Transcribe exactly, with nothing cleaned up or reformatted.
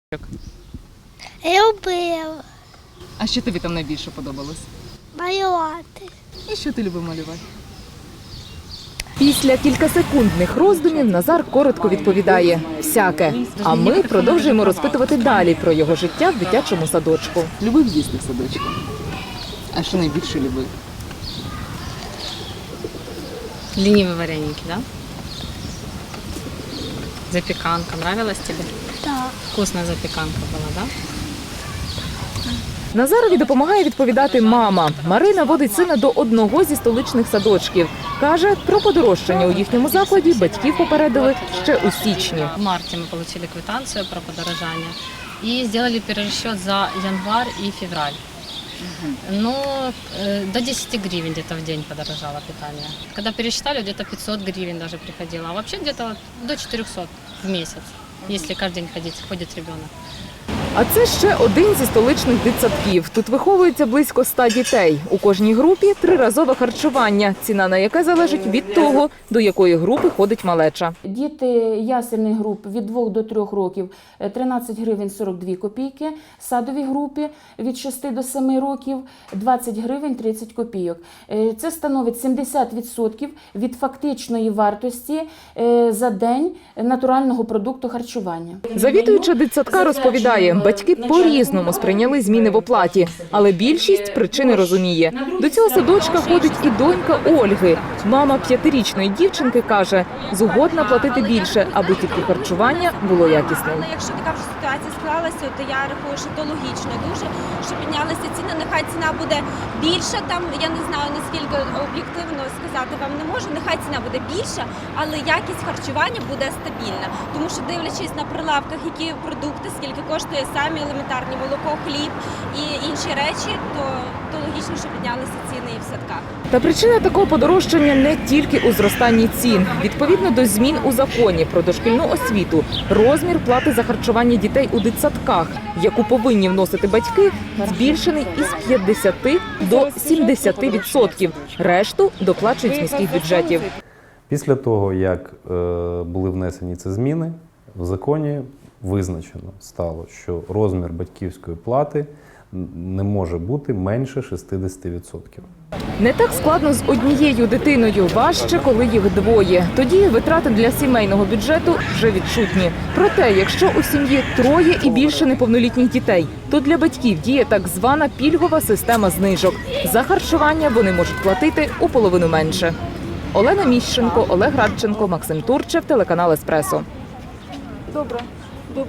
Любила А що тобі там найбільше подобалось? малювати. І що ти любив малювати? Після кількасекундних роздумів Назар коротко відповідає «всяке». А ми продовжуємо розпитувати далі про його життя в дитячому садочку. Любив їсти в садочку. А що найбільше любив? Ленивые вареники, да? Запеканка. Нравилась тебе? Так. Вкусная запеканка была, да? Назарові допомагає відповідати мама. Марина водить сина до одного зі столичних садочків. Каже, про подорожчання у їхньому закладі батьків попередили ще у січні. В марте мы получили квитанцию про подорожание и сделали перерасчет за январь и февраль. Но э, до десяти гривен где-то в день подорожало питание. Когда пересчитали, где-то пятьсот гривен даже приходило. А вообще где-то до четырехсот в месяц, если каждый день ходить, ходит ребенок. А це ще один зі столичних дитсадків. Тут виховується близько ста дітей. У кожній групі триразове харчування, ціна на яке залежить від того, до якої групи ходить малеча. Діти ясельних груп від двох до трьох років – тринадцять гривень сорок дві копійки, садові групи від шести до семи років – двадцять гривень тридцять копійок. Це становить сімдесят відсотків від фактичної вартості за день натурального продукту харчування. Завідуюча дитсадка розповідає, батьки по-різному сприйняли зміни в оплаті, але більшість причини розуміє. До цього садочка ходить і донька Ольги. Мама п'ятирічної дівчинки каже, згодна платити більше, аби тільки харчування було якісним. Якщо така вже ситуація склалася, то я рахую, що то логічно дуже, що піднялися ціни. Нехай ціна буде більша, там я не знаю наскільки об'єктивно сказати вам не можу. Нехай ціна буде більша, але якість харчування буде стабільна. Тому що дивлячись на прилавках, які продукти, скільки коштує самі елементарні молоко, хліб і інші речі, то, то логічно, що піднялися ціни і в садках. Та причина такого подорожчання не тільки у зростанні цін. Відповідно до змін у законі про дошкільну освіту, розмір плати за харчування дітей у дитсадках, яку повинні вносити батьки, збільшений із п'ятдесяти до сімдесяти відсотків. Решту доплачують з міських бюджетів. Після того, як е, були внесені ці зміни, в законі визначено стало, що розмір батьківської плати не може бути менше шістдесяти відсотків. Не так складно з однією дитиною, важче, коли їх двоє. Тоді витрати для сімейного бюджету вже відчутні. Проте, якщо у сім'ї троє і більше неповнолітніх дітей, то для батьків діє так звана пільгова система знижок. За харчування вони можуть платити у половину менше. Олена Міщенко, Олег Радченко, Максим Турчев, телеканал «Еспресо». Добре.